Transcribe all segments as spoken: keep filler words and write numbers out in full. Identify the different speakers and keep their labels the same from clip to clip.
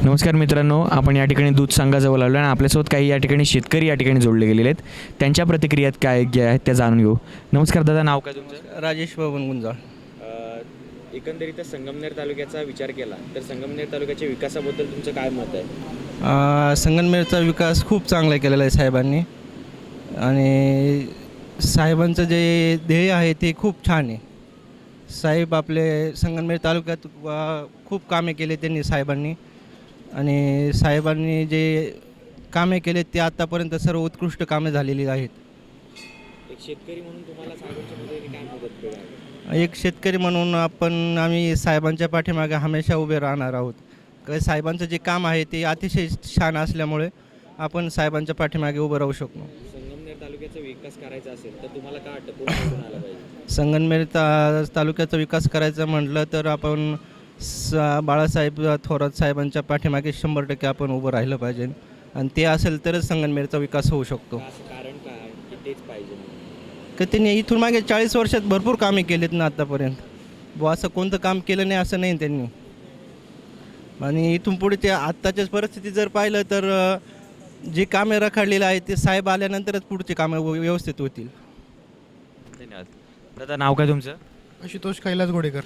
Speaker 1: नमस्कार मित्रांनो, आपण या ठिकाणी दूध संघाजवळ आलो आणि आपल्यासोबत काही या ठिकाणी शेतकरी या ठिकाणी जोडले गेलेले आहेत. त्यांच्या प्रतिक्रियात काय ज्या आहेत त्या जाणून घेऊ. नमस्कार दादा, नाव काय तुमचं?
Speaker 2: राजेश बबन गुंजाळ.
Speaker 1: एकंदरीत संगमनेर तालुक्याचा विचार केला तर संगमनेर तालुक्याच्या विकासाबद्दल तुमचं काय मत आहे?
Speaker 2: संगमनेरचा विकास खूप चांगला केलेला आहे साहेबांनी, आणि साहेबांचं जे ध्येय आहे ते खूप छान आहे. साहेब आपले संगमनेर तालुक्यात वा- खूप कामे केले त्यांनी साहेबांनी, आणि साहेबांनी जे कामे केले ते आत्तापर्यंत सर्व उत्कृष्ट कामे झालेली आहेत.
Speaker 1: एक शेतकरी म्हणून तुम्हाला साहेबांच्या मदतीने काय मदत केली?
Speaker 2: एक शेतकरी म्हणून आपण आम्ही साहेबांच्या पाठीमागे हमेशा उभे राहणार आहोत. कारण साहेबांचं जे काम आहे ते अतिशय छान असल्यामुळे आपण साहेबांच्या पाठीमागे उभं राहू शकतो.
Speaker 1: संगमनेर तालुक्याचा विकास करायचा असेल तर तुम्हाला काय वाटतं कोण निवडून आलं पाहिजे?
Speaker 2: संगमनेर ता तालुक्याचा विकास करायचा म्हटलं तर आपण स बाळासाहेब थोरात साहेबांच्या पाठीमागे शंभर टक्के आपण उभं राहिलं पाहिजे, आणि ते असेल तरच संगमनेरचा विकास होऊ शकतो.
Speaker 1: असं कारण काय आहे की तेच पाहिजे?
Speaker 2: तर त्यांनी इथून मागे चाळीस वर्षात भरपूर कामे केलीत ना आत्तापर्यंत. व असं कोणतं काम केलं नाही असं नाही त्यांनी. आणि इथून पुढे ते आत्ताच्याच परिस्थिती जर पाहिलं तर जे कामे रखडलेलं आहे ते साहेब आल्यानंतरच पुढचे कामं व्यवस्थित होतील.
Speaker 1: धन्यवाद. दादा, नाव काय तुमचं?
Speaker 3: आशुतोष कैलास गोडेकर.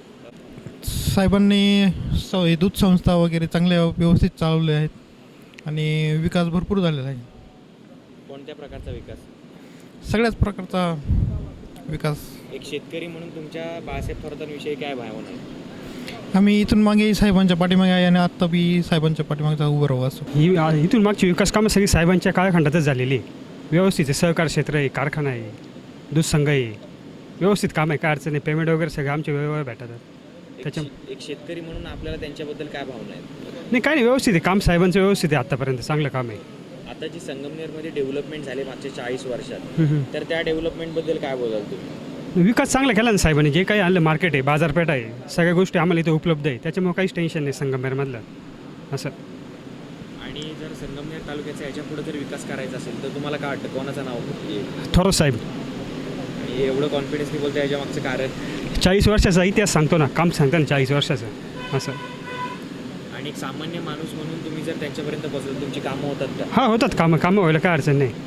Speaker 3: साहेबांनी स दूध संस्था वगैरे चांगल्या व्यवस्थित चालवले आहेत आणि विकास भरपूर झालेला आहे.
Speaker 1: कोणत्या प्रकारचा विकास?
Speaker 3: सगळ्याच प्रकारचा विकास.
Speaker 1: एक शेतकरी म्हणून तुमच्या बाळासाहेब थोरातांविषयी काय भावना आहे?
Speaker 3: आम्ही इथून मागे साहेबांच्या पाठीमागे आहे आणि आत्ता बी साहेबांच्या पाठीमागचा उभं राहू असं.
Speaker 4: ही आ- इथून मागची विकास कामं सगळी साहेबांच्या काळखंडातच झालेली आहे. व्यवस्थित आहे, सहकार क्षेत्र आहे, कारखाना आहे, दूध संघ आहे, व्यवस्थित काम आहे, काय अडचण नाही. पेमेंट वगैरे सगळे आमच्या वेळेवर भेटतात. त्याच्या
Speaker 1: एक- एक शेतकरी म्हणून आपल्याला त्यांच्याबद्दल काय भावना आहेत?
Speaker 4: नाही, काय नाही, व्यवस्थित आहे काम, साहेबांचं व्यवस्थित आहे, आत्तापर्यंत चांगलं काम आहे.
Speaker 1: आता जी संगमनेरमध्ये डेव्हलपमेंट झाली मागच्या चाळीस वर्षात,
Speaker 4: हम्म.
Speaker 1: तर त्या डेव्हलपमेंटबद्दल काय बोलाल तुम्ही?
Speaker 4: विकास चांगला केला ना साहेबांनी. जे काही आणलं, मार्केट आहे, बाजारपेठ आहे, सगळ्या गोष्टी आम्हाला इथे उपलब्ध आहे, त्याच्यामुळे काहीच टेन्शन नाही संगमनेरमधलं असं.
Speaker 1: आणि जर संगमनेर तालुक्याचा याच्या पुढे जर विकास करायचा असेल तर तुम्हाला काय वाटतं कोणाचं नाव येईल?
Speaker 4: थोरात साहेब.
Speaker 1: आणि एवढं कॉन्फिडन्सली बोलतो याच्या मागचं कारण?
Speaker 4: चाळीस वर्षाचा इतिहास सांगतो ना, काम सांगतो ना चाळीस वर्षाचं असं.
Speaker 1: आणि एक सामान्य माणूस म्हणून तुम्ही जर त्यांच्यापर्यंत पोहोचलं तुमची कामं होतात का?
Speaker 4: हां, होतात कामं, कामं व्हायला काय अडचण नाही.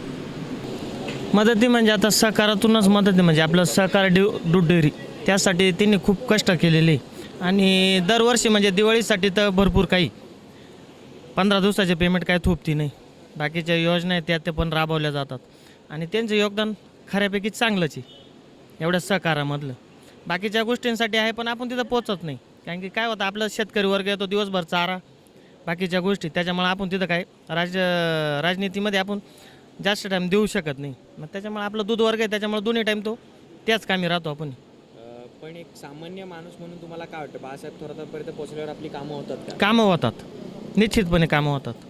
Speaker 5: मदती म्हणजे आता सहकारातूनच मदत आहे. म्हणजे आपलं सहकार ड्यू दूध डेअरी त्यासाठी त्यांनी खूप कष्ट केलेले, आणि दरवर्षी म्हणजे दिवाळीसाठी तर भरपूर काही पंधरा दिवसाचे पेमेंट काय थोपती नाही. बाकीच्या योजना आहेत त्या ते पण राबवल्या जातात, आणि त्यांचं योगदान खऱ्यापैकी चांगलंच आहे एवढ्या सहकारामधलं. बाकीच्या गोष्टींसाठी आहे पण आपण तिथं पोचत नाही, कारण की काय होतं आपलं शेतकरी वर्ग येतो दिवसभर चारा बाकीच्या गोष्टी, त्याच्यामुळे आपण तिथं काय राज राजनीतीमध्ये आपण जास्त टाईम देऊ शकत नाही. मग त्याच्यामुळे आपलं दूध वर्ग आहे, त्याच्यामुळे दोन्ही टाईम तो त्याच कामी राहतो आपण.
Speaker 1: अं, पण एक सामान्य माणूस म्हणून तुम्हाला काय वाटतं बाळासाहेब थोरातांपर्यंत पोहोचल्यावर आपली कामं होतात का?
Speaker 5: कामं होतात, निश्चितपणे कामं होतात.